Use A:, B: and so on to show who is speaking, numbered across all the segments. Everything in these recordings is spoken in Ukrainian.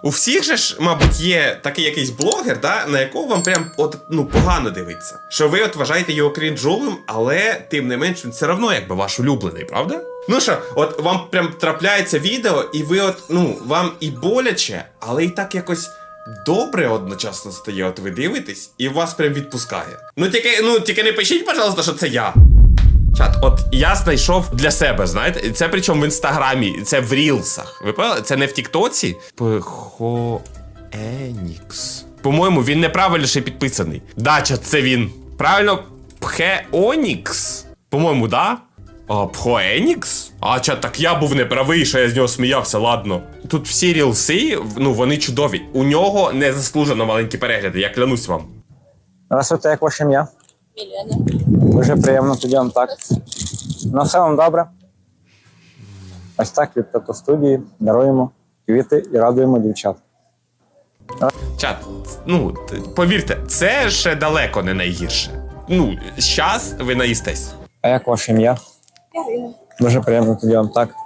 A: У всіх же ж, мабуть, є такий якийсь блогер, да, на якого вам прям от, ну, погано дивиться. Що ви от вважаєте його крінжовим, але тим не менш він все одно якби ваш улюблений, правда? Ну що, от вам прям трапляється відео, і ви от, ну, вам і боляче, але і так якось добре одночасно стає, от ви дивитесь, і вас прям відпускає. Тільки не пишіть, пожалуйста, що це я. Чат, от я знайшов для себе, знаєте, це причому в інстаграмі, це в рілсах. Ви поняли? Це не в тіктоці. Пхоенікс. По-моєму, він неправильно ще підписаний. Да, чат, це він. Правильно, Пхеонікс. По-моєму, да? А, Пхоенікс? А, чат, так я був неправий, що я з нього сміявся, ладно. Тут всі рілси, ну, вони чудові. У нього незаслужено маленькі перегляди, я клянусь вам.
B: Здравствуйте, як ваше ім'я?
C: Мілена.
B: Дуже приємно, тоді вам так. Ну, все вам добре. Ось так від тату-студії даруємо квіти і радуємо дівчат.
A: Чат, ну, повірте, це ще далеко не найгірше. Ну, щас ви наїстесь.
B: А як ваше ім'я?
C: Ярина.
B: Дуже приємно, тоді вам так.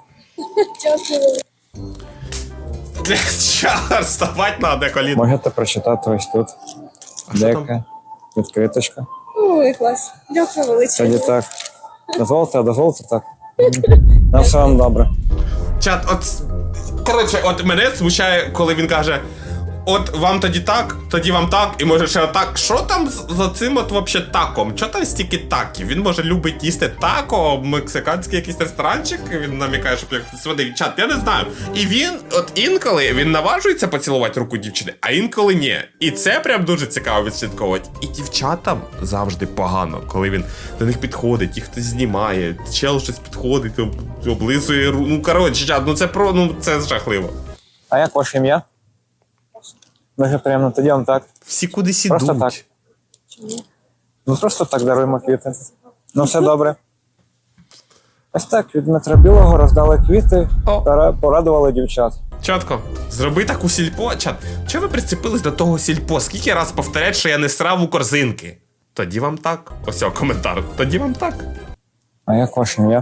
C: Дякую.
A: Чар, вставать надо, коліно.
B: Можете прочитати ось тут. Деяка відкриточка.
C: Ой, клас. Дякую величезно.
B: Тоді так. Дозволите так. На все вам добре.
A: Чат, коротше, от мене смущає, коли він каже: от вам тоді вам так, і може ще отак. Що там за цим от вообще таком? Чо там стільки таків? Він може любить їсти тако, мексиканський якийсь ресторанчик, він намікає, щоб як сводив. Чат, я не знаю. І він, от інколи, він наважується поцілувати руку дівчини, а інколи ні. І це прям дуже цікаво відслідковувати. І дівчатам завжди погано, коли він до них підходить, їх хтось знімає, чел щось підходить, облизує руку. Ну, коротше, чат, це жахливо.
B: А як ваше ім'я? Дуже приємно, тоді вам так.
A: Всі кудись ідуть.
B: Просто так. Ну просто так даруємо квіти. Ну все добре. Ось так, від Дмитра Білого роздали квіти та порадували дівчат.
A: Чатко, зроби таку сільпо. Чат, чого ви прицепились до того сільпо? Скільки раз повторять, що я не срав у корзинки? Тоді вам так. Ось його коментар. Тоді вам так.
B: А як ваше ім'я?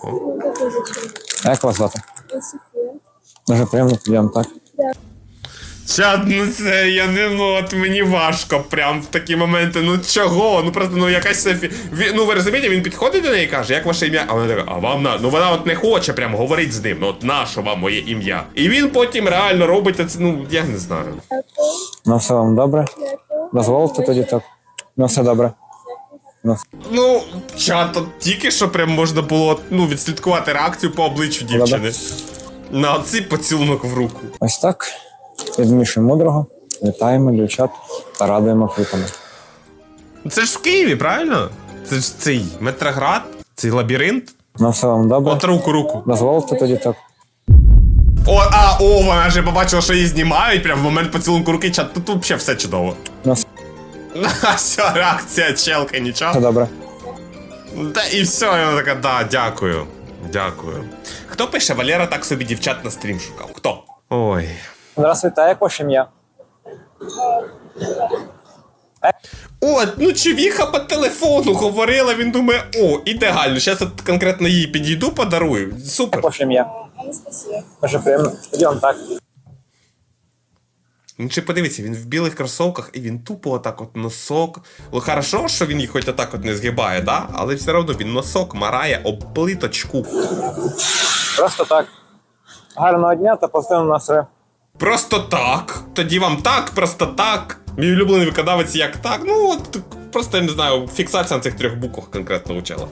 B: А як вас звати?
C: Софія.
B: Дуже приємно, тоді вам так.
A: Чат, ну це я не, ну от мені важко прям в такі моменти. Ну чого? Ну просто, ну якась Софі. Ну ви розумієте, він підходить до неї і каже, як ваше ім'я? А вона така, а вам на. Ну вона от не хоче прям говорити з ним. Ну от нащо вам моє ім'я? І він потім реально робить це, ну я не знаю.
B: Ну все вам добре. Дозволите тоді так. Ну все добре.
A: Ну, чат, от тільки що прям можна було, ну, відслідкувати реакцію по обличчю дівчини. На цей поцілунок в руку.
B: Ось так. Від Міші Мудрого вітаємо дівчат та радуємо квітами.
A: Це ж в Києві, правильно? Це ж цей Метроград, цей лабіринт.
B: Ну все вам добре.
A: От руку.
B: Дозволите тоді так.
A: Вона вже побачила, що її знімають, прям в момент поцілунку руки, чат, тут взагалі все чудово.
B: Ну
A: Все, реакція челки, нічого.
B: все добре.
A: Та і все, і вона така, да, дякую. Дякую. Хто пише, Валера так собі дівчат на стрім шукав? Хто? Ой.
B: Здравствуйте, а як ваше ім'я?
A: От, ну чувіха по телефону говорила, він думає, о, ідеально, зараз от конкретно їй підійду, подарую. Супер.
B: Як ваше ім'я?
C: Анастасія.
B: Дуже приємно. Тоді вам так.
A: Ну чи подивіться, він в білих кросовках і він тупо отак от носок. Ну хорошо, що він їх хоч отак от не згибає, да? Але все одно він носок марає об плиточку.
B: Просто так. Гарного дня та позитивного настрою.
A: Просто так. Тоді вам так, просто так. Мій улюблений виконавець як так. Ну от просто я не знаю, фіксація на цих 3 буквах конкретно учила.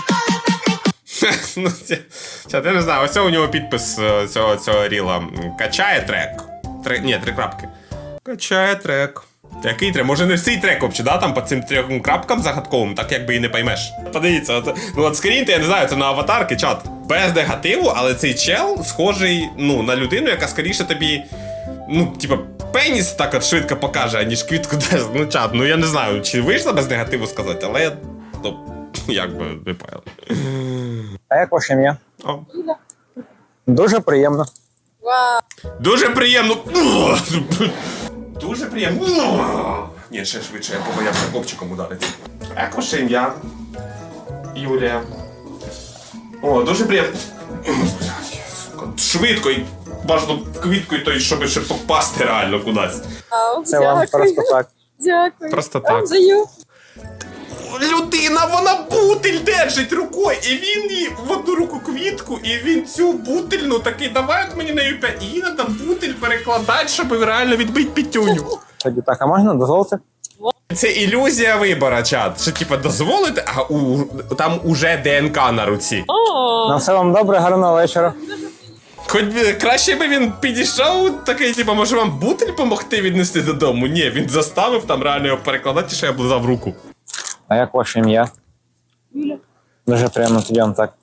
A: Ну, я не знаю, ось у нього підпис цього ріла. Качає трек. Ні, 3 крапки. Качає трек. Який трек? Може не цей трек взагалі, да? Там по цим 3 крапкам загадковим, так якби і не поймеш. Подивіться, ну от скріньте, я не знаю, це на аватарки, чат. Без негативу, але цей чел схожий, ну, на людину, яка скоріше тобі, ну, типа, пеніс так от швидко покаже, аніж квітку дасть. Ну, чат, ну я не знаю, чи вийшло без негативу сказати, але, ну, як би ви поняли.
B: А як ваше ім'я?
A: О.
B: Дуже приємно.
C: Вау.
A: Дуже приємно. Дуже приємно. Ні, ще швидше, я побоявся копчиком ударити. Як ваше ім'я? Юлія. О, дуже приємно. Швидко. бажано квіткою, той, щоб ще попасти реально кудись.
C: Вау,
B: Це вам просто так.
C: Дякую.
A: Просто
C: Вам
A: так.
C: даю.
A: Людина, вона бутиль держить рукою, і він їй в одну руку квітку, і він цю бутильну такий, давай от мені нею 5. І їй треба бутиль перекладати, щоб реально відбити пітюню.
B: Тоді так, а можна дозволити?
A: Це ілюзія вибора, чат. Що типа дозволити, а там уже ДНК на руці.
B: На все вам добре, гарного вечора.
A: Хоч би краще би він підійшов, такий, типа, може вам бутиль помогти віднести додому? Ні, він заставив там реально його перекладати, що я облизав руку.
B: А як ваше ім'я?
C: Юля.
B: Дуже приємно, тоді вам так.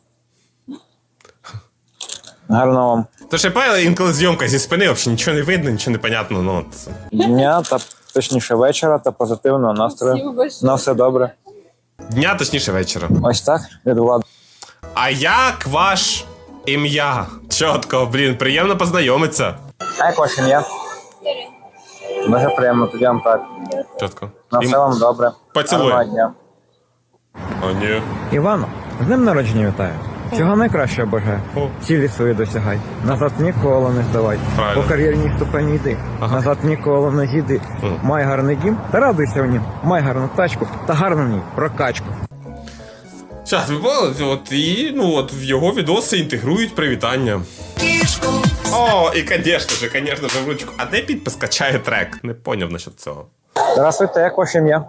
B: Гарного вам
A: То ще певно, інколи зйомка зі спини, взагалі нічого не видно, нічого не понятно, ну от.
B: дня та точніше вечора та позитивного настрою.
C: Спасибо большое.
B: На все добре.
A: Дня, точніше вечора.
B: Ось так від влади.
A: А як ваш ім'я? Чотко, блін, приємно познайомитися.
B: А як ваше ім'я? Дуже приємно, тоді вам так.
A: Чотко.
B: На все вам добре.
A: Поцілуй.
B: Гарного дня.
A: О, ні.
D: Івано, з днем народження вітаю. Всього найкращого бажаю.
A: О.
D: Цілі свої досягай. Назад ніколи не здавай.
A: Правильно.
D: По кар'єрній ступені йди.
A: Ага.
D: Назад ніколи не зійди. Май гарний дім та радуйся в нім. Май гарну тачку та гарну в ній прокачку.
A: Чат, ви бачили, от і ну от в його відоси інтегрують привітання. О, і конечно же, в ручку. А де підпис качає трек? Не поняв насчет цього.
B: Здравствуйте, як ваше ім'я?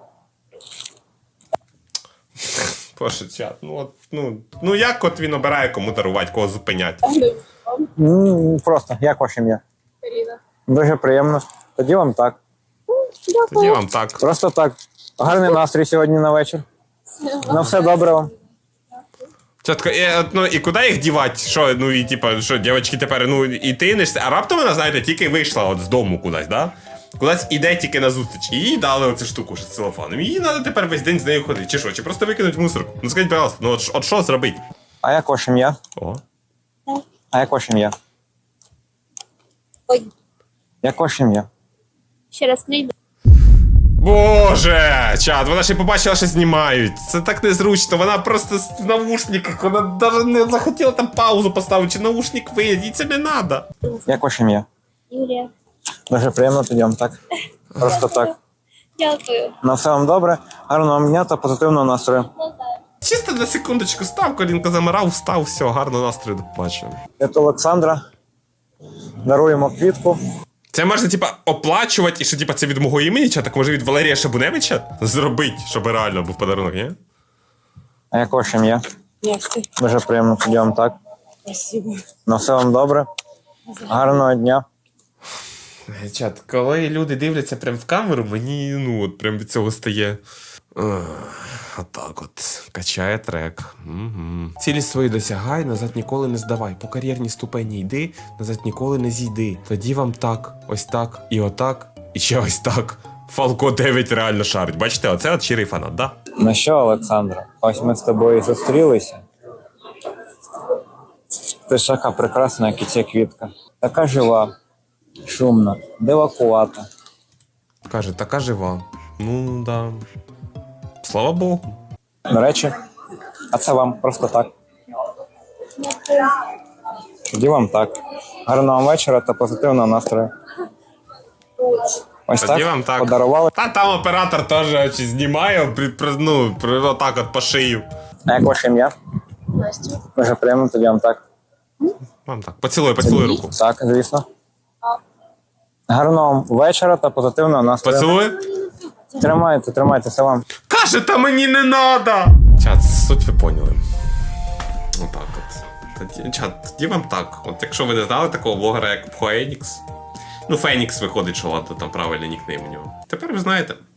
A: Боже, чат, ну от, ну як от він обирає, кому дарувати, кого зупинять?
B: Просто, як ваше ім'я?
C: Каріна.
B: Дуже приємно. Тоді вам так.
A: Тоді вам так.
B: Просто так. Гарний настрій сьогодні на вечір. На все добре вам.
A: Чатко, ну і куди їх дівати? Що, ну і типа, що, дівчатки тепер, ну і ти не а раптом вона, знаєте, тільки вийшла от з дому кудись, да? Кудись іде тільки на зустріч. І їй дали оцю штуку з целофаном. І їй треба тепер весь день з нею ходити. Чи що? Чи просто викинуть в мусорку? Ну скажіть, пожалуйста, ну от що зробити?
B: А як ваше ім'я?
A: О.
B: А як ваше ім'я?
C: Ой,
B: Як ваше ім'я?
C: ще раз не йду.
A: Боже, чат, вона ще побачила, що знімають. Це так незручно. Вона просто в наушниках, вона навіть не захотіла там паузу поставити, чи наушник виїде, їй це не треба.
B: Як ваше ім'я?
C: Юлія.
B: Дуже приємно, тоді вам так. Просто так.
C: Дякую.
B: На все вам добре, гарного вам дня та позитивного настрою.
A: Чисто на секундочку став, колінко замирав, встав, все, гарного настрою, до побачення.
B: Це Олександра. Даруємо квітку.
A: Це можна, типа, оплачувати, і що, типа, це від мого імені, чи так може від Валерія Шабуневича зробити, щоб реально був подарунок, ні?
B: А як ваше ім'я?
C: Дякую.
B: Дуже приємно, тоді вам так.
C: Спасибо.
B: На все вам добре. Гарного дня.
A: Чат, коли люди дивляться прям в камеру, мені, ну, от прям від цього стає. Отак от. Качає трек. Угу. Цілі свої досягай, назад ніколи не здавай. По кар'єрній ступені йди, назад ніколи не зійди. Тоді вам так, ось так, і отак, і ще ось так. Фалко 9 реально шарить. Бачите, оце от щирий фанат, да?
B: Ну що, Олександра, ось ми з тобою і зустрілися. Ти ж така прекрасна, як і ця квітка. Така жива, шумна, дивакувата.
A: Каже, така жива. Ну, да. Слава Богу.
B: До речі, а це вам просто так. Тоді вам так. Гарного вам вечора та позитивного настрою. Ось
A: Тоді
B: так,
A: вам так.
B: подарували.
A: Та там оператор теж чи знімає, отак от по шию.
B: А як ваше ім'я?
C: Настя.
B: Дуже приємно, тоді вам так.
A: Вам так. Поцілуй руку.
B: Так, звісно. Гарного вам вечора та позитивного настрою.
A: Поцілуй.
B: Тримайте, це вам.
A: Каже, та мені не надо! Чат, суть ви поняли. Отак от. Чат, тоді вам так. От якщо ви не знали такого блогера, як Фенікс. Ну, Фенікс виходить, що ладно, там правильний нікнейм у нього. Тепер ви знаєте.